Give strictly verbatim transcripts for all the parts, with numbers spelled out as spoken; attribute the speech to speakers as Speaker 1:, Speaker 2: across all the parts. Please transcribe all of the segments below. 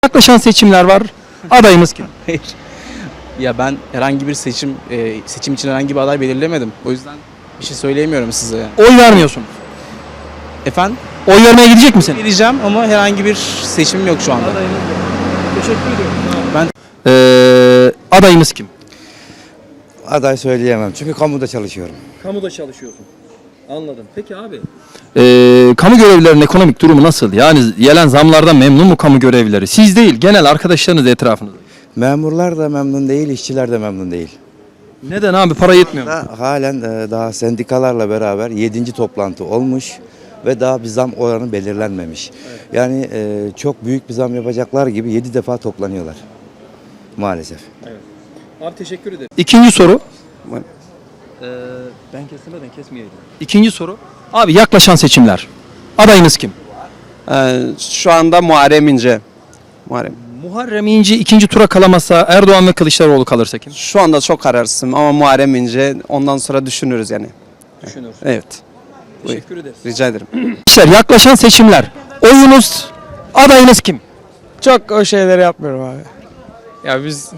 Speaker 1: Yaklaşan seçimler var. Adayımız kim?
Speaker 2: Hayır. Ya ben herhangi bir seçim e, seçim için herhangi bir aday belirlemedim. O yüzden bir şey söyleyemiyorum size.
Speaker 1: Oy vermiyorsunuz.
Speaker 2: Efendim?
Speaker 1: Oy vermeye gidecek misin?
Speaker 2: Vereceğim ama herhangi bir seçim yok şu anda.
Speaker 1: Teşekkür ediyorum.
Speaker 2: Ben
Speaker 1: Ee, adayımız kim?
Speaker 3: Aday söyleyemem çünkü kamuda çalışıyorum.
Speaker 1: Kamuda çalışıyorsun. Anladım. Peki abi. Ee, kamu görevlilerinin ekonomik durumu nasıl? Yani gelen zamlardan memnun mu kamu görevlileri? Siz değil, genel arkadaşlarınız etrafınızda.
Speaker 3: Memurlar da memnun değil, işçiler de memnun değil.
Speaker 1: Neden abi? Para yetmiyor mu?
Speaker 3: Da, halen e, daha sendikalarla beraber yedinci toplantı olmuş ve daha bir zam oranı belirlenmemiş. Evet. Yani e, çok büyük bir zam yapacaklar gibi yedi defa toplanıyorlar maalesef.
Speaker 1: Evet. Abi teşekkür ederim. İkinci soru. Ee, ben kesmeden kesmeyeydim. İkinci soru. Abi yaklaşan seçimler. Adayınız kim?
Speaker 4: Ee, şu anda Muharrem İnce. Muharrem.
Speaker 1: Muharrem İnce ikinci tura kalamazsa Erdoğan ve Kılıçdaroğlu kalırsa kim?
Speaker 4: Şu anda çok kararsızım ama Muharrem İnce ondan sonra düşünürüz yani.
Speaker 1: Düşünür.
Speaker 4: Evet.
Speaker 1: Teşekkür ederiz.
Speaker 4: Rica ederim.
Speaker 1: Arkadaşlar yaklaşan seçimler. Oyunuz, adayınız kim?
Speaker 5: Çok o şeyleri yapmıyorum abi. Ya biz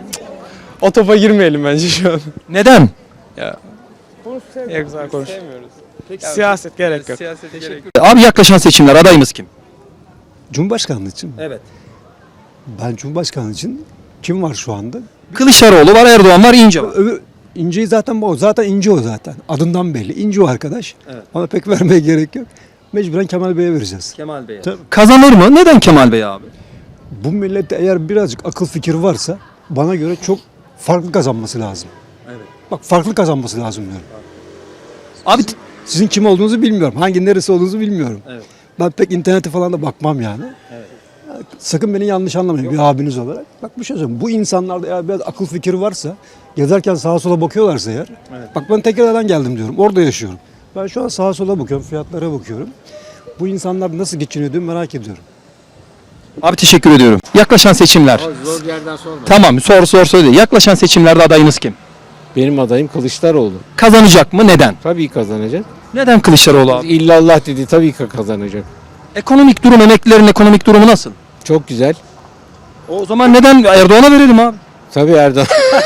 Speaker 5: o topa girmeyelim bence şu an.
Speaker 1: Neden?
Speaker 5: Ya. Ya güzel konuş. Siyaset gerek yok.
Speaker 1: Abi yaklaşan seçimler. Adayımız kim?
Speaker 6: Cumhurbaşkanlığı için mi?
Speaker 1: Evet.
Speaker 6: Ben Cumhurbaşkanlığı için kim var şu anda?
Speaker 1: Kılıçdaroğlu var, Erdoğan var, İnce var.
Speaker 6: Öbür İnce'yi zaten bu. Zaten İnce o zaten. Adından belli. İnce o arkadaş.
Speaker 1: Evet.
Speaker 6: Ona pek vermeye gerek yok. Mecburen Kemal Bey'e vereceğiz.
Speaker 1: Kemal Bey.
Speaker 6: Tabii.
Speaker 1: Kazanır mı? Neden Kemal Bey abi?
Speaker 6: Bu millette eğer birazcık akıl fikir varsa bana göre çok farklı kazanması lazım.
Speaker 1: Evet.
Speaker 6: Bak farklı kazanması lazım diyorum.
Speaker 1: Abi
Speaker 6: Sizin kim olduğunuzu bilmiyorum. Hangi neresi olduğunuzu bilmiyorum.
Speaker 1: Evet.
Speaker 6: Ben pek internete falan da bakmam yani.
Speaker 1: Evet.
Speaker 6: Sakın beni yanlış anlamayın bir abiniz olarak. Bak bir şey söyleyeyim. Bu insanlarda eğer biraz akıl fikri varsa, gezerken sağa sola bakıyorlarsa eğer.
Speaker 1: Evet.
Speaker 6: Bak ben Tekirdağ'dan geldim diyorum. Orada yaşıyorum. Ben şu an sağa sola bakıyorum, fiyatlara bakıyorum. Bu insanlar nasıl geçiniyor diye merak ediyorum.
Speaker 1: Abi teşekkür ediyorum. Yaklaşan seçimler.
Speaker 7: Zor yerden sorma.
Speaker 1: Tamam, sor sor söyle. Yaklaşan seçimlerde adayınız kim?
Speaker 7: Benim adayım Kılıçdaroğlu.
Speaker 1: Kazanacak mı? Neden?
Speaker 7: Tabii kazanacak.
Speaker 1: Neden Kılıçdaroğlu abi?
Speaker 7: İllallah dedi, tabii ki kazanacak.
Speaker 1: Ekonomik durum, emeklilerin ekonomik durumu nasıl?
Speaker 7: Çok güzel.
Speaker 1: O zaman neden Erdoğan'a verelim abi?
Speaker 7: Tabii Erdoğan.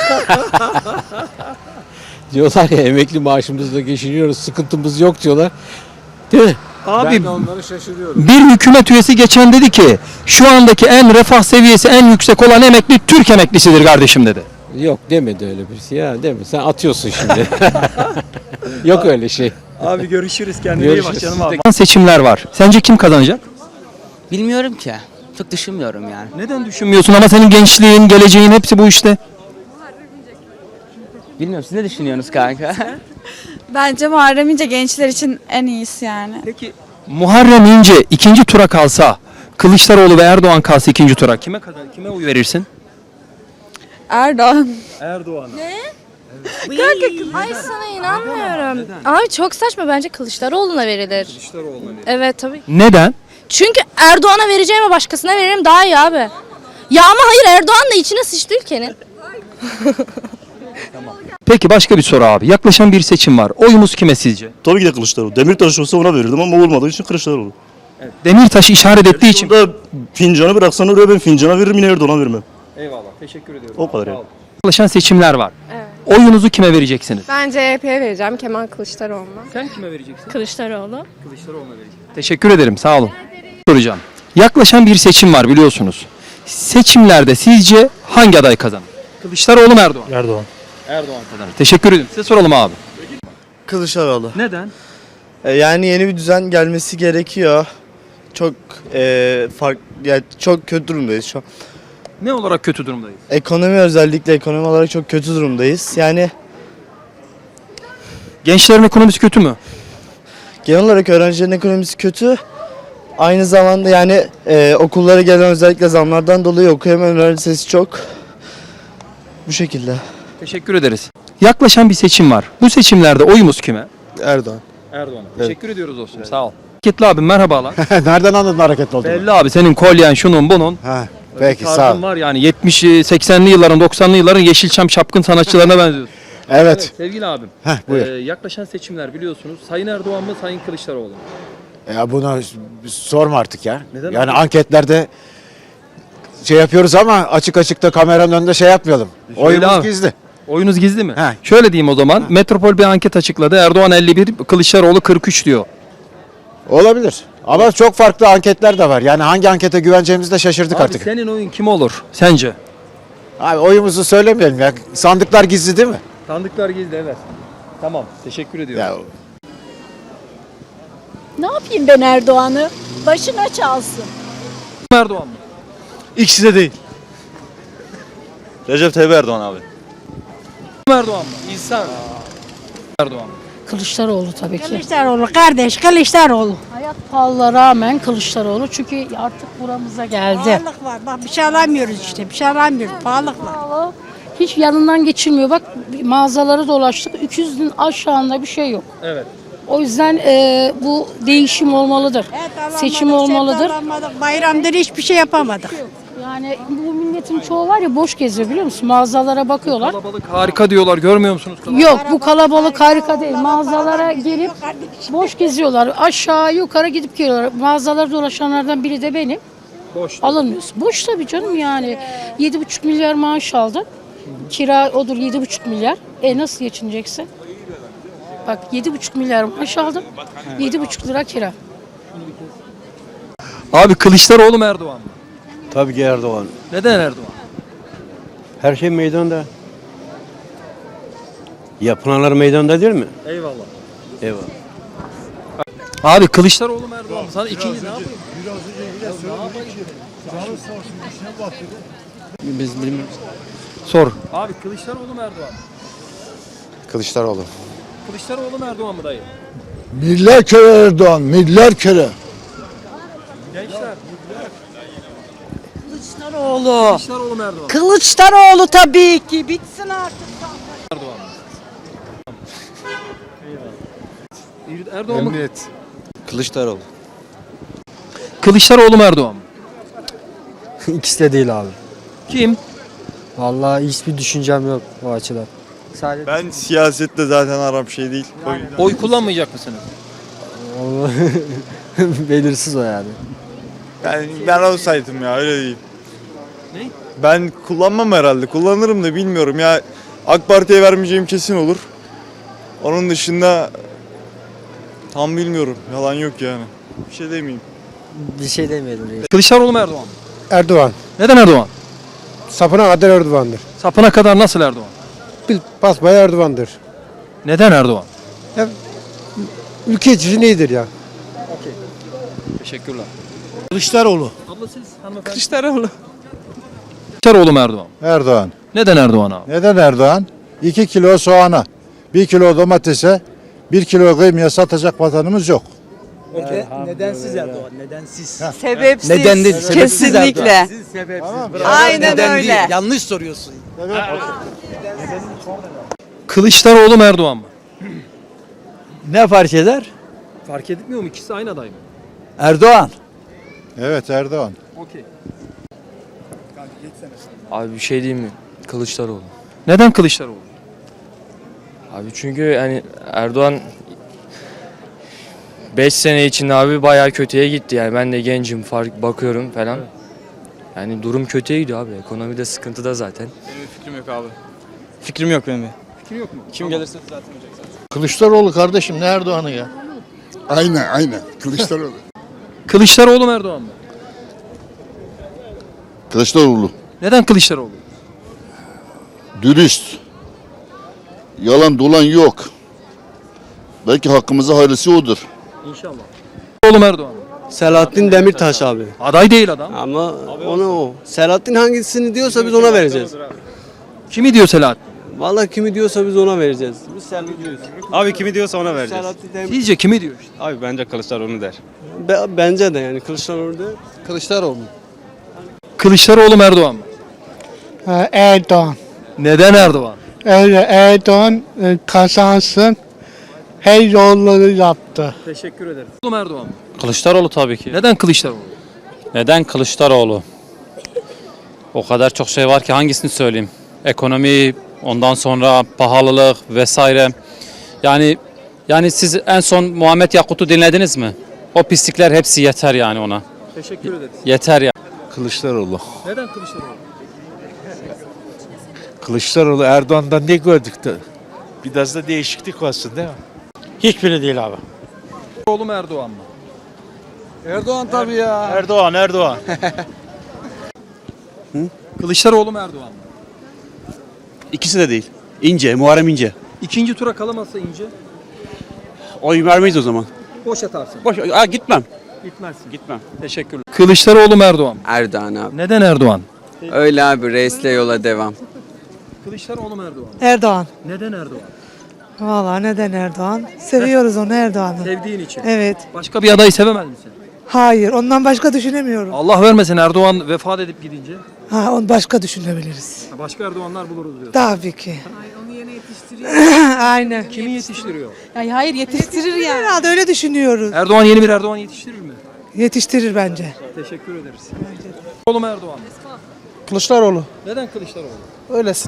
Speaker 7: Diyorlar ya emekli maaşımızla geçiniyoruz, sıkıntımız yok diyorlar. Değil mi?
Speaker 1: Abi
Speaker 7: Ben de onları şaşırıyorum.
Speaker 1: bir hükümet üyesi geçen dedi ki şu andaki en refah seviyesi en yüksek olan emekli Türk emeklisidir kardeşim dedi.
Speaker 7: Yok demedi öyle bir şey ya, deme. Sen atıyorsun şimdi. Yok öyle şey.
Speaker 1: Abi görüşürüz, kendine
Speaker 7: iyi bak canım abi.
Speaker 1: Seçimler var. Sence kim kazanacak?
Speaker 8: Bilmiyorum ki. Çok düşünmüyorum yani.
Speaker 1: Neden düşünmüyorsun ama senin gençliğin, geleceğin hepsi bu işte.
Speaker 8: Bilmiyorum, siz ne düşünüyorsunuz kanka?
Speaker 9: Bence Muharrem İnce gençler için en iyisi yani.
Speaker 1: Peki Muharrem İnce ikinci tura kalsa, Kılıçdaroğlu ve Erdoğan kalsa ikinci tura kime kazan, kime oy verirsin?
Speaker 9: Erdoğan.
Speaker 1: Erdoğan.
Speaker 10: Ay sana inanmıyorum. Abi çok saçma, bence Kılıçdaroğlu'na verilir.
Speaker 1: Kılıçdaroğlu'na verir.
Speaker 10: Evet tabii.
Speaker 1: Neden?
Speaker 10: Çünkü Erdoğan'a vereceğime başkasına veririm daha iyi abi. Ya ama hayır, Erdoğan da içine sıçtı ülkenin.
Speaker 1: Peki başka bir soru abi. Yaklaşan bir seçim var. Oyumuz kime sizce?
Speaker 11: Tabii ki de Kılıçdaroğlu. Demirtaş olsa ona verirdim ama olmadığı için Kılıçdaroğlu.
Speaker 1: Demirtaş'ı işaret ettiği için.
Speaker 11: Burada fincanı bıraksan oraya ben fincana veririm, yine Erdoğan'a vermem.
Speaker 1: Eyvallah. Teşekkür ediyorum.
Speaker 11: O kadar ya.
Speaker 1: Yaklaşan seçimler var.
Speaker 10: Evet.
Speaker 1: Oyunuzu kime vereceksiniz?
Speaker 10: Ben C H P'ye vereceğim, Kemal Kılıçdaroğlu'na.
Speaker 1: Sen kime vereceksin?
Speaker 10: Kılıçdaroğlu.
Speaker 1: Kılıçdaroğlu'na vereceksin. Teşekkür ederim. Sağ olun. Soracağım. Yaklaşan bir seçim var biliyorsunuz. Seçimlerde sizce hangi aday kazanır? Kılıçdaroğlu mu Erdoğan?
Speaker 11: Erdoğan.
Speaker 1: Erdoğan kazanır. Teşekkür ederim. Size soralım abi.
Speaker 5: Kılıçdaroğlu.
Speaker 1: Neden?
Speaker 5: Yani yeni bir düzen gelmesi gerekiyor. Çok e, fark yani çok kötü durumdayız şu an.
Speaker 1: Ne olarak kötü durumdayız?
Speaker 5: Ekonomi, özellikle ekonomi olarak çok kötü durumdayız. Yani
Speaker 1: Gençlerin ekonomisi kötü mü?
Speaker 5: genel olarak öğrencilerin ekonomisi kötü. Aynı zamanda yani e, okullara gelen özellikle zamlardan dolayı okuyamayan öğrenci sayısı çok. Bu şekilde.
Speaker 1: Teşekkür ederiz. Yaklaşan bir seçim var. Bu seçimlerde oyumuz kime?
Speaker 5: Erdoğan.
Speaker 1: Erdoğan'a. Teşekkür ediyoruz dostum. Sağ ol. Hareketli abi merhabalar.
Speaker 3: Nereden anladın hareketli olduğunu?
Speaker 1: Belli abi senin kolyen şunun bunun.
Speaker 3: Ha,
Speaker 1: Öyle
Speaker 3: peki
Speaker 1: bir
Speaker 3: sağ
Speaker 1: tarzın
Speaker 3: ol.
Speaker 1: var yani yetmiş seksenli yılların doksanlı yılların Yeşilçam çapkın sanatçılarına benziyorsun.
Speaker 3: Evet.
Speaker 1: Sevgili abim.
Speaker 3: Heh, buyur.
Speaker 1: e, yaklaşan seçimler biliyorsunuz. Sayın Erdoğan mı Sayın Kılıçdaroğlu mu?
Speaker 3: Ya buna sorma artık ya.
Speaker 1: Neden
Speaker 3: yani
Speaker 1: abi?
Speaker 3: anketlerde
Speaker 6: şey yapıyoruz ama açık açıkta kameranın önünde şey yapmayalım. Oyumuz
Speaker 1: abi.
Speaker 6: gizli.
Speaker 1: Oyunuz gizli mi?
Speaker 6: He.
Speaker 1: Şöyle diyeyim o zaman. Metropol bir anket açıkladı. Erdoğan elli bir, Kılıçdaroğlu kırk üç diyor.
Speaker 6: Olabilir. Ama çok farklı anketler de var. Yani hangi ankete güveneceğimizi de şaşırdık
Speaker 1: Abi
Speaker 6: artık.
Speaker 1: senin oyun kim olur sence?
Speaker 6: Abi oyumuzu söylemeyelim ya. Sandıklar gizli değil mi?
Speaker 1: Sandıklar gizli, evet. Tamam, teşekkür ediyorum.
Speaker 6: Ya
Speaker 10: Ne yapayım ben Erdoğan'ı? Başına çalsın.
Speaker 1: Erdoğan mı?
Speaker 11: İkisi de değil. Recep Tayyip Erdoğan abi.
Speaker 1: Erdoğan mı? İnsan. Erdoğan mı?
Speaker 10: Kılıçdaroğlu tabii ki.
Speaker 9: Kılıçdaroğlu kardeş Kılıçdaroğlu.
Speaker 10: Hayat pahalılığına rağmen Kılıçdaroğlu çünkü artık buramıza geldi.
Speaker 9: Pahalılık var. Bak bir şey alamıyoruz işte. Bir şey alamıyoruz. Pahalılık var.
Speaker 10: Pahalı. Hiç yanından geçilmiyor. Bak mağazaları dolaştık. iki yüzün aşağında bir şey yok.
Speaker 1: Evet.
Speaker 10: O yüzden e, bu değişim olmalıdır. Seçim olmalıdır.
Speaker 9: Bayramdır hiçbir şey yapamadık.
Speaker 10: Yani bu milletin çoğu var ya boş geziyor biliyor musun? Mağazalara bakıyorlar.
Speaker 1: Kalabalık harika diyorlar, görmüyor musunuz?
Speaker 10: Yok bu kalabalık harika değil. Mağazalara gelip boş geziyorlar. Aşağı yukarı gidip geliyorlar. Mağazalara dolaşanlardan biri de benim.
Speaker 1: Boş.
Speaker 10: Alınmıyorsun. Boş tabii canım yani. yedi buçuk milyar maaş aldım. Kira odur yedi buçuk milyar. E nasıl geçineceksin? Bak yedi buçuk milyar maaş aldım. yedi buçuk lira kira.
Speaker 1: Abi Kılıçdaroğlu mu Erdoğan mı?
Speaker 6: tabii ki Erdoğan.
Speaker 1: Neden Erdoğan?
Speaker 6: Her şey meydanda. Yapılanlar meydanda değil mi?
Speaker 1: Eyvallah.
Speaker 6: Eyvallah.
Speaker 1: Abi Kılıçdaroğlu mu Erdoğan mı? Sana ikinci ne yapayım?
Speaker 2: Biz bilmiyoruz.
Speaker 1: Sor. Abi Kılıçdaroğlu mu Erdoğan mı?
Speaker 6: Kılıçdaroğlu.
Speaker 1: Kılıçdaroğlu mu Erdoğan mı dayı?
Speaker 11: Milyar kere Erdoğan, milyar kere.
Speaker 1: Gençler.
Speaker 9: Kılıçdaroğlu.
Speaker 1: Kılıçdaroğlu mu Erdoğan mı?
Speaker 9: Kılıçdaroğlu tabii ki. Bitsin artık.
Speaker 1: Erdoğan mı? Eyvallah. Erdoğan mı?
Speaker 3: Kılıçdaroğlu.
Speaker 1: Kılıçdaroğlu mu Erdoğan mı?
Speaker 5: İkisi de değil abi.
Speaker 1: Kim?
Speaker 5: Vallahi hiçbir düşüncem yok o açıdan. Sadece
Speaker 11: Ben siyasette zaten aram şey değil. O yüzden-
Speaker 1: Oy kullanmayacak mısınız?
Speaker 5: belirsiz o yani.
Speaker 11: Yani ben olsaydım ya öyle diyeyim.
Speaker 1: Ne?
Speaker 11: Ben kullanmam herhalde. Kullanırım da bilmiyorum ya. AK Parti'ye vermeyeceğim kesin olur. Onun dışında tam bilmiyorum. Yalan yok yani. Bir şey demeyeyim.
Speaker 5: Bir şey demeyelim reis.
Speaker 1: Kılıçdaroğlu mu Erdoğan mı?
Speaker 6: Erdoğan.
Speaker 1: Neden Erdoğan?
Speaker 6: Sapına kadar Erdoğan'dır.
Speaker 1: Sapına kadar nasıl Erdoğan?
Speaker 6: Bil, basbaya Erdoğan'dır.
Speaker 1: Neden Erdoğan?
Speaker 6: Ülke için iyidir ya.
Speaker 1: Teşekkürler.
Speaker 11: Kılıçdaroğlu.
Speaker 1: Abla siz hanımefendi.
Speaker 2: Kılıçdaroğlu.
Speaker 1: Kılıçdaroğlu mu Erdoğan mı?
Speaker 11: Erdoğan.
Speaker 1: Neden Erdoğan abi?
Speaker 11: Neden Erdoğan? iki kilo soğana, bir kilo domatese, bir kilo kıymaya satacak vatanımız yok.
Speaker 5: Nedensiz Erdoğan, nedensiz.
Speaker 9: Sebepsiz.
Speaker 5: Neden değil, sebepsiz
Speaker 9: Kesinlikle.
Speaker 5: Sebepsiz.
Speaker 9: Aynen öyle.
Speaker 5: Yanlış soruyorsun.
Speaker 1: Kılıçdaroğlu mu Erdoğan mı?
Speaker 5: Ne fark eder?
Speaker 1: Fark etmiyor mu? İkisi aynı aday mı?
Speaker 5: Erdoğan.
Speaker 11: Evet Erdoğan.
Speaker 1: Okey.
Speaker 2: Abi bir şey diyeyim mi? Kılıçdaroğlu.
Speaker 1: Neden Kılıçdaroğlu?
Speaker 2: Abi çünkü yani Erdoğan beş sene içinde abi bayağı kötüye gitti yani. Ben de gencim, fark bakıyorum falan. Yani durum kötüye gidiyor abi. Ekonomide sıkıntıda zaten.
Speaker 4: Benim fikrim yok abi. Fikrim yok benim.
Speaker 1: Fikrin yok mu?
Speaker 4: Kim gelirse düzeltmeyecek zaten.
Speaker 11: Kılıçdaroğlu kardeşim ne Erdoğan'ı ya? Aynen aynen Kılıçdaroğlu.
Speaker 1: Kılıçdaroğlu mu Erdoğan mı?
Speaker 11: Kılıçdaroğlu.
Speaker 1: Neden Kılıçdaroğlu?
Speaker 11: Dürüst. Yalan dolan yok. Belki hakkımıza hayırlısı odur.
Speaker 1: İnşallah. Kılıçdaroğlu mu Erdoğan mı?
Speaker 5: Selahattin Demirtaş abi.
Speaker 1: Aday değil adam.
Speaker 5: Ama onu o. Selahattin hangisini diyorsa biz ona vereceğiz.
Speaker 1: Kimi diyor Selahattin?
Speaker 5: Vallahi kimi diyorsa biz ona vereceğiz. Biz Selahattin diyoruz.
Speaker 4: Abi kimi diyorsa ona vereceğiz.
Speaker 5: Selahattin Demir-
Speaker 1: Sizce kimi diyor işte?
Speaker 4: Abi bence Kılıçdaroğlu der.
Speaker 5: Be- bence de yani Kılıçdaroğlu değil.
Speaker 6: Kılıçdaroğlu.
Speaker 1: Kılıçdaroğlu mu Erdoğan mı?
Speaker 5: Erdoğan.
Speaker 1: Neden Erdoğan?
Speaker 5: Erdoğan kazansın. Her yolları yaptı.
Speaker 1: Teşekkür ederim. Kılıçdaroğlu mu Erdoğan mı?
Speaker 7: Kılıçdaroğlu tabii ki.
Speaker 1: Neden Kılıçdaroğlu?
Speaker 7: Neden Kılıçdaroğlu? O kadar çok şey var ki hangisini söyleyeyim? Ekonomi, ondan sonra pahalılık vesaire. Yani yani siz en son Muhammed Yakut'u dinlediniz mi? O pislikler hepsi yeter yani ona.
Speaker 1: Teşekkür ederiz.
Speaker 7: Yeter ya.
Speaker 12: Kılıçdaroğlu.
Speaker 1: Neden Kılıçdaroğlu?
Speaker 12: Kılıçdaroğlu Erdoğan'dan ne gördük de? Biraz da değişiklik olsun değil mi?
Speaker 6: Hiçbiri değil abi.
Speaker 1: Oğlu mu Erdoğan mı?
Speaker 6: Erdoğan tabii ya.
Speaker 12: Erdoğan, Erdoğan.
Speaker 1: Kılıçdaroğlu mu Erdoğan mı?
Speaker 6: İkisi de değil. İnce, Muharrem İnce.
Speaker 1: İkinci tura kalamazsa İnce
Speaker 6: Oy vermeyiz o zaman.
Speaker 1: boş atarsın.
Speaker 6: Boş, aa, gitmem.
Speaker 1: Gitmezsin.
Speaker 6: Gitmem.
Speaker 1: Teşekkürler. Kılıçdaroğlu mu Erdoğan mı?
Speaker 4: Erdoğan abi.
Speaker 1: Neden Erdoğan?
Speaker 4: Öyle abi reisle yola devam.
Speaker 1: Kılıçdaroğlu mu Erdoğan mı?
Speaker 13: Erdoğan.
Speaker 1: Neden Erdoğan?
Speaker 13: Vallahi neden Erdoğan? Seviyoruz onu Erdoğan'ı.
Speaker 1: Sevdiğin için.
Speaker 13: Evet.
Speaker 1: Başka bir adayı sevemez misin?
Speaker 13: Hayır, ondan başka düşünemiyorum.
Speaker 1: Allah vermesin Erdoğan vefat edip gidince.
Speaker 13: Ha, onu başka düşünebiliriz.
Speaker 1: Başka Erdoğanlar buluruz diyorsun.
Speaker 13: Tabii ki.
Speaker 9: Onu yine yetiştiriyor.
Speaker 13: Aynen.
Speaker 1: Kimi yetiştiriyor?
Speaker 9: Yani hayır yetiştirir yani.
Speaker 13: Herhalde öyle düşünüyoruz.
Speaker 1: Erdoğan yeni bir Erdoğan yetiştirir mi?
Speaker 13: Yetiştirir bence.
Speaker 1: Teşekkür ederiz. Kılıçdaroğlu mu Erdoğan mı?
Speaker 5: Kılıçdaroğlu.
Speaker 1: Neden Kılıçdaroğlu?
Speaker 5: Öylesin.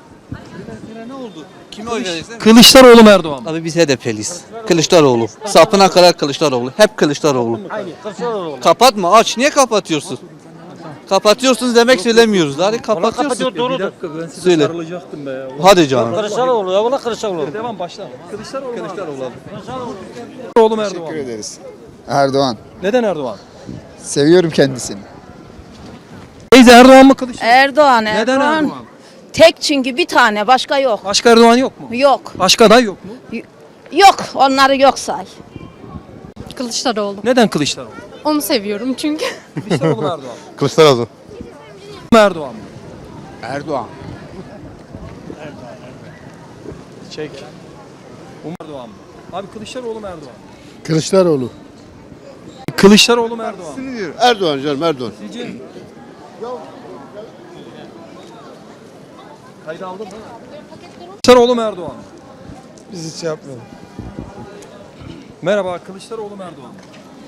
Speaker 1: Kılıçdaroğlu mu Erdoğan mı?
Speaker 8: Abi biz H D P'liyiz. Kılıçdaroğlu. Sapına kadar Kılıçdaroğlu. Hep Kılıçdaroğlu. Kapatma aç. Niye kapatıyorsun? Kapatıyorsunuz demek söylemiyoruz. Hadi kapatıyorsun.
Speaker 1: Bir dakika ben size
Speaker 8: Söyle.
Speaker 1: sarılacaktım be ya.
Speaker 8: Hadi canım.
Speaker 6: Kılıçdaroğlu ya, valla Kılıçdaroğlu.
Speaker 1: Devam başla. Kılıçdaroğlu Kılıçdaroğlu. Kılıçdaroğlu mu Erdoğan mı?
Speaker 12: ederiz.
Speaker 5: Erdoğan.
Speaker 1: Neden Erdoğan?
Speaker 5: Seviyorum kendisini.
Speaker 1: Teyze Erdoğan mı Kılıçdaroğlu?
Speaker 9: Erdoğan,
Speaker 1: Neden Erdoğan?
Speaker 9: Tek çünkü bir tane başka yok.
Speaker 1: Başka Erdoğan yok mu?
Speaker 9: Yok.
Speaker 1: Başka aday yok mu?
Speaker 9: Yok. Onları yok say.
Speaker 10: Kılıçdaroğlu.
Speaker 1: Neden Kılıçdaroğlu?
Speaker 10: Onu seviyorum çünkü.
Speaker 1: Kılıçdaroğlu mu Erdoğan mı?
Speaker 12: Kılıçdaroğlu.
Speaker 1: Erdoğan mı?
Speaker 6: Erdoğan.
Speaker 1: Çek. Umar Erdoğan mı? Abi Kılıçdaroğlu mu Erdoğan mı?
Speaker 5: Kılıçdaroğlu.
Speaker 1: Kılıçdaroğlu mu Erdoğan mı?
Speaker 12: Erdoğan canım Erdoğan.
Speaker 1: Sizce? Kaydı aldın mı? Kılıçdaroğlu mu Erdoğan mı?
Speaker 5: Biz hiç yapmayalım.
Speaker 1: Merhaba Kılıçdaroğlu mu Erdoğan mı?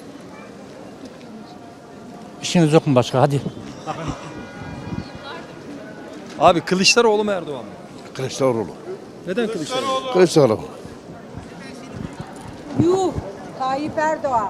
Speaker 6: İşiniz yok mu başka? Hadi.
Speaker 1: Abi Kılıçdaroğlu mu Erdoğan mı?
Speaker 12: Kılıçdaroğlu.
Speaker 1: Neden Kılıçdaroğlu?
Speaker 12: Kılıçdaroğlu.
Speaker 9: Yuh. Tayyip Erdoğan.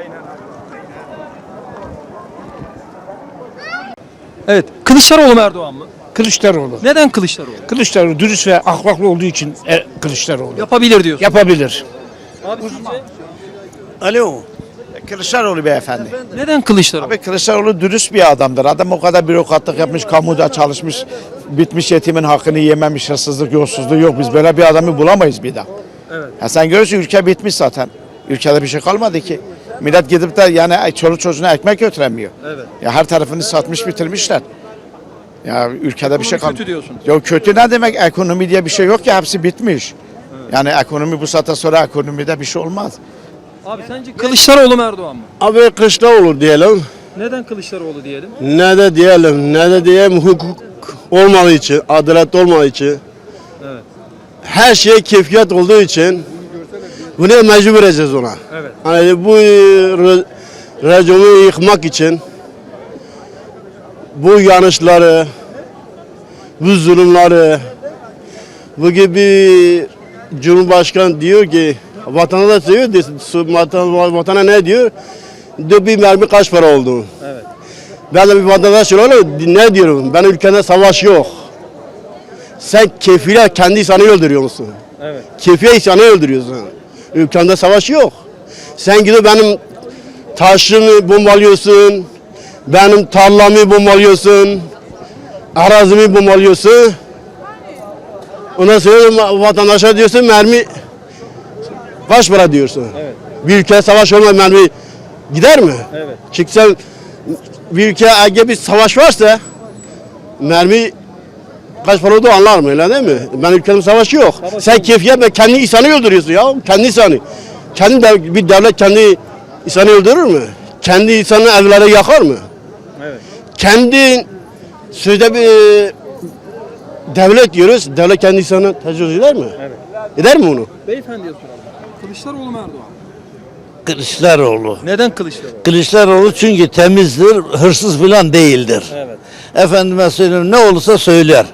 Speaker 1: Evet. Kılıçdaroğlu mu Erdoğan mı?
Speaker 6: Kılıçdaroğlu.
Speaker 1: Neden Kılıçdaroğlu?
Speaker 6: Kılıçdaroğlu dürüst ve ahlaklı olduğu için e, Kılıçdaroğlu.
Speaker 1: Yapabilir diyorsun.
Speaker 6: Yapabilir.
Speaker 1: Abi sizce?
Speaker 12: Alo. Kılıçdaroğlu beyefendi.
Speaker 1: Neden Kılıçdaroğlu?
Speaker 12: Abi Kılıçdaroğlu dürüst bir adamdır. Adam o kadar bürokratlık yapmış, kamuda çalışmış, bitmiş yetimin hakkını yememiş, hırsızlık, yolsuzluğu yok. Biz böyle bir adamı bulamayız bir daha.
Speaker 1: Evet.
Speaker 12: Ya sen görürsün ülke bitmiş zaten. Ülkede bir şey kalmadı ki. Millet gidip de yani çoluk çocuğuna ekmek götüremiyor.
Speaker 1: Evet.
Speaker 12: Ya her tarafını satmış bitirmişler. Ya ülkede bir şey
Speaker 1: Ekonomi
Speaker 12: kalmadı.
Speaker 1: kötü diyorsun.
Speaker 12: Yok kötü ne demek? Ekonomi diye bir şey yok ki, hepsi bitmiş. Yani ekonomi bu saatten sonra ekonomide bir şey olmaz.
Speaker 1: Abi sence Kılıçdaroğlu mu Erdoğan mı?
Speaker 6: Abi Kılıçdaroğlu diyelim.
Speaker 1: Neden Kılıçdaroğlu diyelim?
Speaker 6: Ne de diyelim, ne de diyelim hukuk olmadığı için, adalet olmadığı için.
Speaker 1: Evet.
Speaker 6: Her şey keyfiyat olduğu için bunu mecbur edeceğiz ona.
Speaker 1: Evet.
Speaker 6: Hani bu re- rejimi yıkmak için bu yanlışları, bu zulümleri, bu gibi Cumhurbaşkanı diyor ki vatana da söylüyor, de- vatan, vatana ne diyor? Diyor bir mermi kaç para oldu?
Speaker 1: Evet.
Speaker 6: Ben de bir vatandaş olarak ne diyorum? Ben ülkede savaş yok. Sen kefile kendi insanı öldürüyor musun?
Speaker 1: Evet.
Speaker 6: Kefile insanı öldürüyorsun. Ülkende savaş yok. Sen gidip benim taşımı bombalıyorsun, benim tarlamı bombalıyorsun, arazimi bombalıyorsun. Ondan sonra vatandaşa diyorsun mermi kaç para diyorsun.
Speaker 1: Evet.
Speaker 6: Bir ülkede savaş olmadan mermi gider mi?
Speaker 1: Evet.
Speaker 6: Çünkü sen bir ülke eğer bir savaş varsa mermi kaç para olduğu anlar mı öyle değil mi? Ben ülkemin savaşı yok. Sen keyfiyet ve kendi insanı öldürüyorsun ya. Kendi insanı. Kendi dev- bir devlet kendi insanı öldürür mü? Kendi insanı evlere yakar mı?
Speaker 1: Evet.
Speaker 6: Kendi sözde bir devlet diyoruz. Devlet kendi insanı tecavüz eder mi?
Speaker 1: Evet.
Speaker 6: Eder mi onu?
Speaker 1: Beyefendiye soralım. Kılıçdaroğlu mu Erdoğan mı?
Speaker 12: Kılıçdaroğlu.
Speaker 1: Neden Kılıçdaroğlu?
Speaker 12: Kılıçdaroğlu çünkü temizdir, hırsız falan değildir.
Speaker 1: Evet.
Speaker 12: Efendime söyleyeyim ne olursa söyler.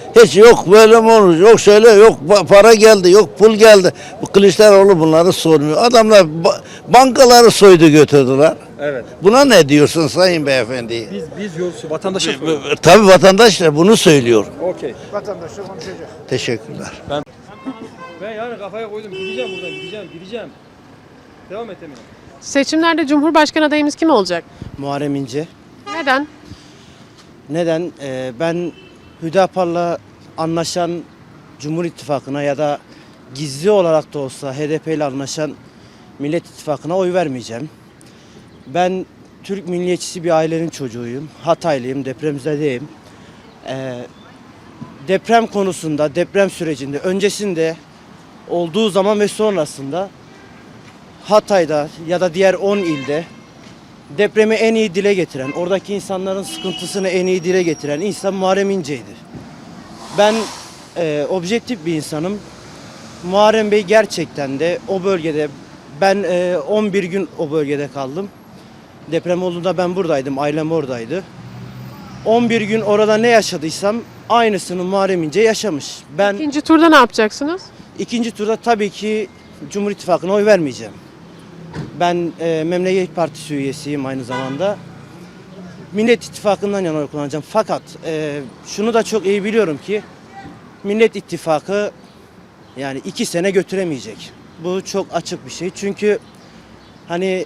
Speaker 12: Hiç yok böyle mi olur, yok şöyle, yok pa- para geldi, yok pul geldi. Bu Kılıçdaroğlu bunları sormuyor. Adamlar ba- bankaları soydu götürdüler.
Speaker 1: Evet.
Speaker 12: Buna ne diyorsun sayın beyefendi?
Speaker 1: Biz biz yolcu vatandaşa soruyoruz.
Speaker 12: Tabii vatandaş da bunu söylüyor.
Speaker 1: Okey.
Speaker 12: Teşekkürler.
Speaker 1: Ben yani kafaya koydum. Gideceğim buradan. Gideceğim. Gideceğim. Devam et Emine.
Speaker 14: Seçimlerde Cumhurbaşkanı adayımız kim olacak?
Speaker 5: Muharrem İnce.
Speaker 14: Neden?
Speaker 5: Neden? Ee, ben Hüdapar'la anlaşan Cumhur İttifakı'na ya da gizli olarak da olsa H D P ile anlaşan Millet İttifakı'na oy vermeyeceğim. Ben Türk milliyetçisi bir ailenin çocuğuyum. Hataylıyım, depremzedeyim. Ee, deprem konusunda, deprem sürecinde, öncesinde olduğu zaman ve sonrasında Hatay'da ya da diğer on ilde depremi en iyi dile getiren, oradaki insanların sıkıntısını en iyi dile getiren insan Muharrem İnce'ydi. Ben e, objektif bir insanım. Muharrem Bey gerçekten de o bölgede, ben e, on bir gün o bölgede kaldım. Deprem olduğunda ben buradaydım, ailem oradaydı. on bir gün orada ne yaşadıysam aynısını Muharrem İnce yaşamış. Ben
Speaker 14: İkinci turda ne yapacaksınız?
Speaker 5: ikinci turda tabii ki Cumhur İttifakı'na oy vermeyeceğim. Ben e, Memleket Partisi üyesiyim aynı zamanda. Millet İttifakı'ndan yana oy kullanacağım. Fakat e, şunu da çok iyi biliyorum ki Millet İttifakı yani iki sene götüremeyecek. Bu çok açık bir şey. Çünkü hani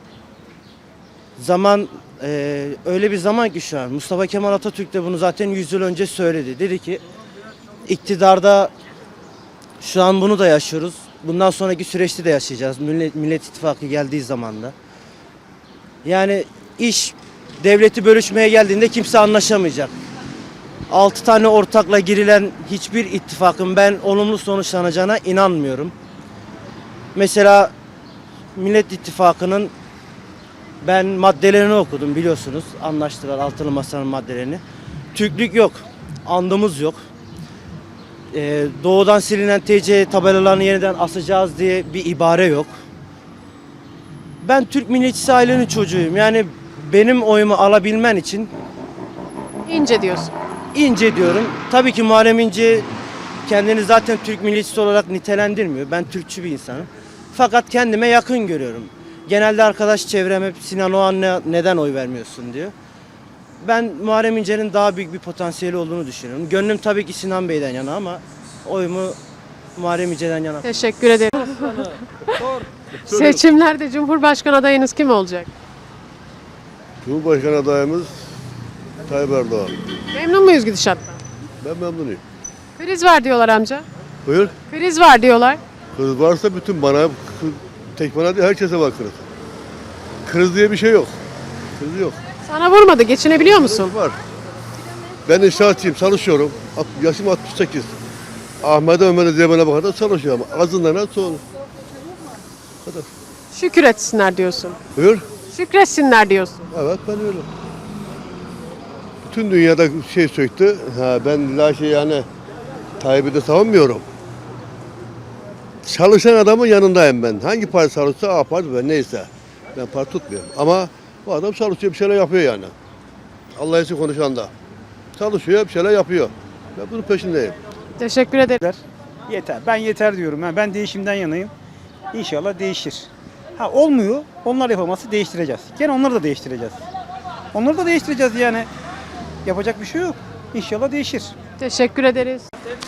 Speaker 5: zaman e, öyle bir zaman ki şu an. Mustafa Kemal Atatürk de bunu zaten yüz yıl önce söyledi. Dedi ki iktidarda şu an bunu da yaşıyoruz. Bundan sonraki süreçte de yaşayacağız. Millet, Millet İttifakı geldiği zaman da. Yani iş devleti bölüşmeye geldiğinde kimse anlaşamayacak. Altı tane ortakla girilen hiçbir ittifakın ben olumlu sonuçlanacağına inanmıyorum. Mesela Millet İttifakı'nın ben maddelerini okudum biliyorsunuz. Anlaştılar altılı masanın maddelerini. Türklük yok. Andımız yok. Ee, doğudan silinen T C tabelalarını yeniden asacağız diye bir ibare yok. Ben Türk milliyetçisi ailenin çocuğuyum. Yani benim oyumu alabilmen için
Speaker 14: İnce diyorsun.
Speaker 5: İnce diyorum. Tabii ki Muharrem İnce kendini zaten Türk milliyetçisi olarak nitelendirmiyor. Ben Türkçü bir insanım. Fakat kendime yakın görüyorum. Genelde arkadaş çevrem hep Sinan Oğan'a neden oy vermiyorsun diyor. Ben Muharrem İnce'nin daha büyük bir potansiyeli olduğunu düşünüyorum. Gönlüm tabii ki Sinan Bey'den yana ama oyumu Muharrem İnce'den yana.
Speaker 14: Teşekkür ederim. Seçimlerde Cumhurbaşkanı adayınız kim olacak?
Speaker 6: Cumhurbaşkanı adayımız Tayyip Erdoğan.
Speaker 14: Memnun muyuz gidişattan?
Speaker 6: Ben memnunum.
Speaker 14: Kriz var diyorlar amca.
Speaker 6: Buyur.
Speaker 14: Kriz var diyorlar.
Speaker 6: Kriz varsa bütün bana, tek bana değil herkese var kriz. Kriz diye bir şey yok. Kriz yok.
Speaker 14: Sana vurmadı. Geçinebiliyor musun?
Speaker 6: Kriz var. Ben inşaatçıyım, çalışıyorum. Yaşım altmış sekiz. Ahmet'e Ömer'e Zeynep'e bakar da çalışıyorum. Azından az sonra. Kadar.
Speaker 14: Şükür etsinler diyorsun.
Speaker 6: Buyur.
Speaker 14: Şükretsinler diyorsun.
Speaker 6: Evet ben öyle. Bütün dünyada şey söktü. Ha, ben la şey yani Tayyip'i de savunmuyorum. Çalışan adamın yanındayım ben. Hangi parti çalışsa A parti ben neyse. Ben parti tutmuyorum. Ama bu adam çalışıyor bir şeyler yapıyor yani. Allah için konuşan da. Çalışıyor bir şeyler yapıyor. Ben bunun peşindeyim.
Speaker 14: Teşekkür ederim.
Speaker 15: Yeter. Ben yeter diyorum. Yani ben değişimden yanayım. İnşallah değişir. Ha olmuyor. Onlar yapamazsa değiştireceğiz. Gene onları da değiştireceğiz. Onları da değiştireceğiz yani. Yapacak bir şey yok. İnşallah değişir.
Speaker 14: Teşekkür ederiz.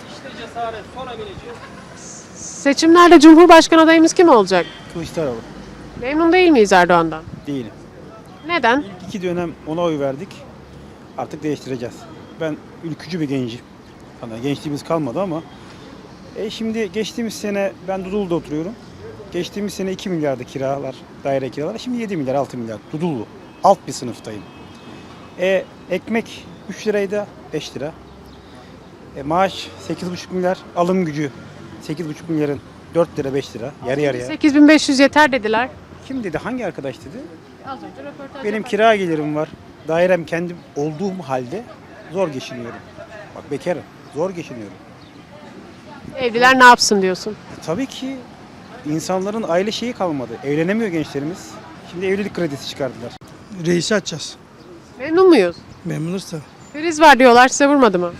Speaker 14: Seçimlerde Cumhurbaşkanı adayımız kim olacak?
Speaker 15: Kılıçdaroğlu.
Speaker 14: Memnun değil miyiz Erdoğan'dan?
Speaker 15: Değilim.
Speaker 14: Neden?
Speaker 15: İlk iki dönem ona oy verdik. Artık değiştireceğiz. Ben ülkücü bir gencim. Hani gençliğimiz kalmadı ama. E şimdi geçtiğimiz sene ben Dudullu'da oturuyorum. Geçtiğimiz sene iki milyardı kiralar, daire kiralar. Şimdi yedi milyar, altı milyar. Dudullu. Alt bir sınıftayım. E ekmek üç liraydı, beş lira. E, maaş sekiz buçuk milyar, alım gücü sekiz buçuk milyarın dört lira, beş lira, yarı yarıya.
Speaker 14: sekiz bin beş yüz yeter dediler.
Speaker 15: Kim dedi? Hangi arkadaş dedi?
Speaker 14: Az önce röportaj
Speaker 15: Benim kira gelirim var. Dairem kendim olduğum halde zor geçiniyorum. Bak bekarım. Zor geçiniyorum.
Speaker 14: Evliler ne yapsın diyorsun?
Speaker 15: E, tabii ki insanların aile şeyi kalmadı. Evlenemiyor gençlerimiz. Şimdi evlilik kredisi çıkardılar.
Speaker 5: Reisi açacağız.
Speaker 14: Memnun muyuz?
Speaker 5: Memnunuz da.
Speaker 14: Kriz var diyorlar. Size vurmadı mı?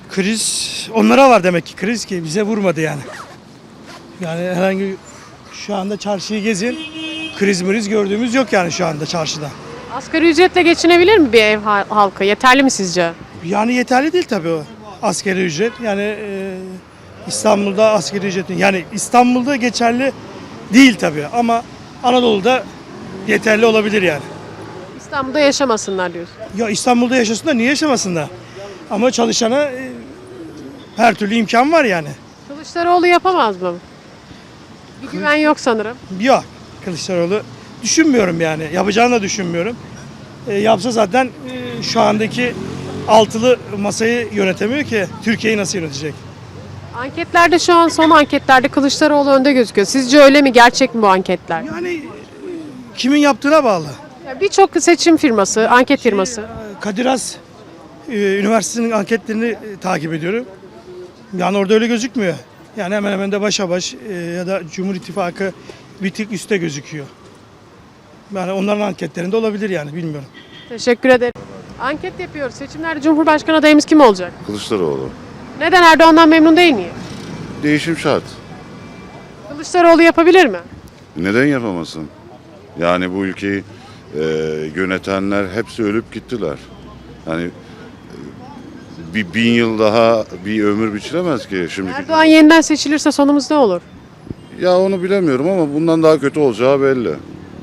Speaker 15: Kriz onlara var demek ki, kriz ki bize vurmadı yani. Yani herhangi şu anda çarşıyı gezin, kriz mriz gördüğümüz yok yani şu anda çarşıda.
Speaker 14: Asgari ücretle geçinebilir mi bir ev ha- halkı? Yeterli mi sizce?
Speaker 15: Yani yeterli değil tabii o asgari ücret. Yani e, İstanbul'da asgari ücretin, yani İstanbul'da geçerli değil tabii ama Anadolu'da yeterli olabilir yani.
Speaker 14: İstanbul'da yaşamasınlar diyorsun.
Speaker 15: Ya İstanbul'da yaşasınlar, niye yaşamasınlar? Ama çalışana e, her türlü imkan var yani.
Speaker 14: Kılıçdaroğlu yapamaz mı? Bir güven yok sanırım.
Speaker 15: Yok, Kılıçdaroğlu düşünmüyorum yani. Yapacağını da düşünmüyorum. E, yapsa zaten e, şu andaki altılı masayı yönetemiyor ki. Türkiye'yi nasıl yönetecek?
Speaker 14: Anketlerde şu an son anketlerde Kılıçdaroğlu önde gözüküyor. Sizce öyle mi? Gerçek mi bu anketler?
Speaker 15: Yani e, kimin yaptığına bağlı.
Speaker 14: Ya Birçok seçim firması, anket firması.
Speaker 15: Kadir Has e, Üniversitesi'nin anketlerini e, takip ediyorum. Yani orada öyle gözükmüyor. Yani hemen hemen de başa baş e, ya da Cumhur İttifakı bir tık üstte gözüküyor. Yani onların anketlerinde olabilir yani, bilmiyorum.
Speaker 14: Teşekkür ederim. Anket yapıyoruz. Seçimlerde Cumhurbaşkanı adayımız kim olacak?
Speaker 6: Kılıçdaroğlu.
Speaker 14: Neden Erdoğan'dan memnun değil miyim?
Speaker 6: Değişim şart.
Speaker 14: Kılıçdaroğlu yapabilir mi?
Speaker 6: Neden yapamasın? Yani bu ülkeyi e, yönetenler hepsi ölüp gittiler. Yani e, bir bin yıl daha bir ömür biçilemez ki şimdi.
Speaker 14: Erdoğan yeniden seçilirse sonumuz ne olur?
Speaker 6: Ya onu bilemiyorum ama bundan daha kötü olacağı belli.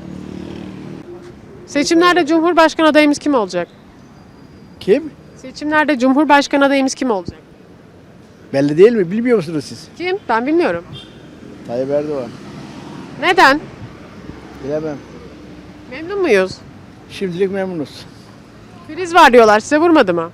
Speaker 14: Seçimlerde Cumhurbaşkanı adayımız kim olacak?
Speaker 15: Kim?
Speaker 14: Seçimlerde Cumhurbaşkanı adayımız kim olacak?
Speaker 15: Belli değil mi? Bilmiyor musunuz siz?
Speaker 14: Kim? Ben bilmiyorum.
Speaker 15: Tayyip Erdoğan.
Speaker 14: Neden?
Speaker 15: Bilemem.
Speaker 14: Memnun muyuz?
Speaker 15: Şimdilik memnunuz.
Speaker 14: Kriz var diyorlar. Size vurmadı mı?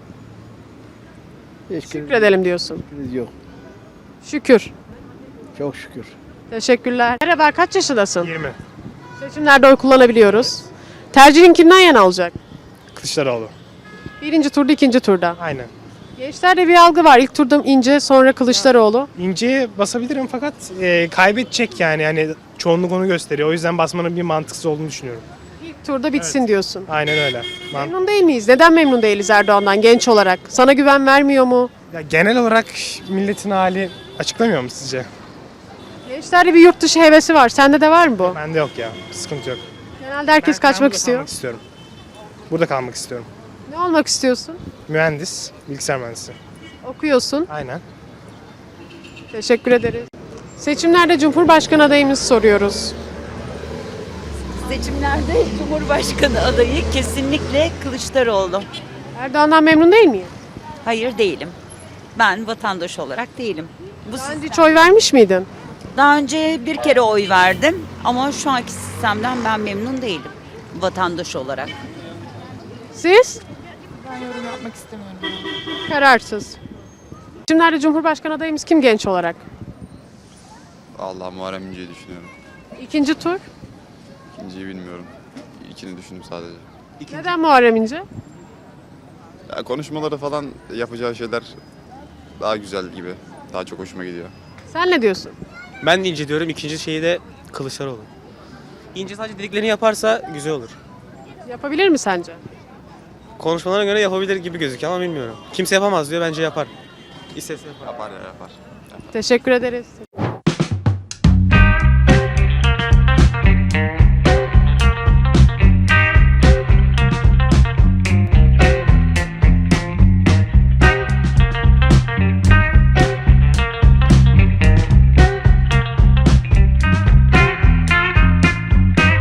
Speaker 15: Hiç
Speaker 14: Şükredelim diyorsun.
Speaker 15: kriz yok.
Speaker 14: Şükür.
Speaker 15: Çok şükür.
Speaker 14: Teşekkürler. Merhaba, kaç yaşındasın?
Speaker 15: yirmi.
Speaker 14: Seçimlerde oy kullanabiliyoruz. Tercihin kimden yana olacak?
Speaker 15: Kılıçdaroğlu.
Speaker 14: Birinci turda, ikinci turda.
Speaker 15: Aynen.
Speaker 14: Gençlerde bir algı var. İlk turda İnce, sonra Kılıçdaroğlu.
Speaker 15: İnce'ye basabilirim fakat e, kaybedecek yani. Yani çoğunluk onu gösteriyor. O yüzden basmanın bir mantıksız olduğunu düşünüyorum.
Speaker 14: İlk turda bitsin diyorsun.
Speaker 15: Aynen öyle. Man-
Speaker 14: Memnun değil miyiz? Neden memnun değiliz Erdoğan'dan genç olarak? Sana güven vermiyor mu?
Speaker 15: ya genel olarak milletin hali açıklamıyor mu sizce?
Speaker 14: Gençlerde bir yurt dışı hevesi var. Sende de var mı bu?
Speaker 15: Bende yok ya. Sıkıntı yok.
Speaker 14: Genelde herkes kaçmak istiyor.
Speaker 15: istiyorum. Burada kalmak istiyorum.
Speaker 14: Ne olmak istiyorsun?
Speaker 15: Mühendis, bilgisayar mühendisi.
Speaker 14: Okuyorsun.
Speaker 15: Aynen.
Speaker 14: Teşekkür ederiz. Seçimlerde Cumhurbaşkanı adayımızı soruyoruz.
Speaker 9: Seçimlerde Cumhurbaşkanı adayı kesinlikle Kılıçdaroğlu.
Speaker 14: Erdoğan'dan memnun değil miyim?
Speaker 9: Hayır değilim. Ben vatandaş olarak değilim. Bu
Speaker 14: Daha önce hiç oy vermiş miydin?
Speaker 9: Daha önce bir kere oy verdim ama şu anki sistemden ben memnun değilim vatandaş olarak.
Speaker 14: Siz?
Speaker 9: Ben yorum yapmak istemiyorum.
Speaker 14: Kararsız. Seçimlerde Cumhurbaşkanı adayımız kim genç olarak?
Speaker 11: Allah Muharrem İnce'yi düşünüyorum.
Speaker 14: İkinci tur.
Speaker 11: İkinciyi bilmiyorum. İlkini düşündüm sadece.
Speaker 14: Neden Muharrem İnce?
Speaker 11: Ya konuşmaları falan yapacağı şeyler daha güzel gibi. Daha çok hoşuma gidiyor.
Speaker 14: Sen ne diyorsun?
Speaker 15: Ben de İnce diyorum. İkinci şeyi de Kılıçdaroğlu. İnce sadece dediklerini yaparsa güzel olur.
Speaker 14: Yapabilir mi sence?
Speaker 15: Konuşmalarına göre yapabilir gibi gözüküyor ama bilmiyorum. Kimse yapamaz diyor, bence yapar. İstese yapar.
Speaker 11: Yapar ya yapar.
Speaker 14: Teşekkür ederiz.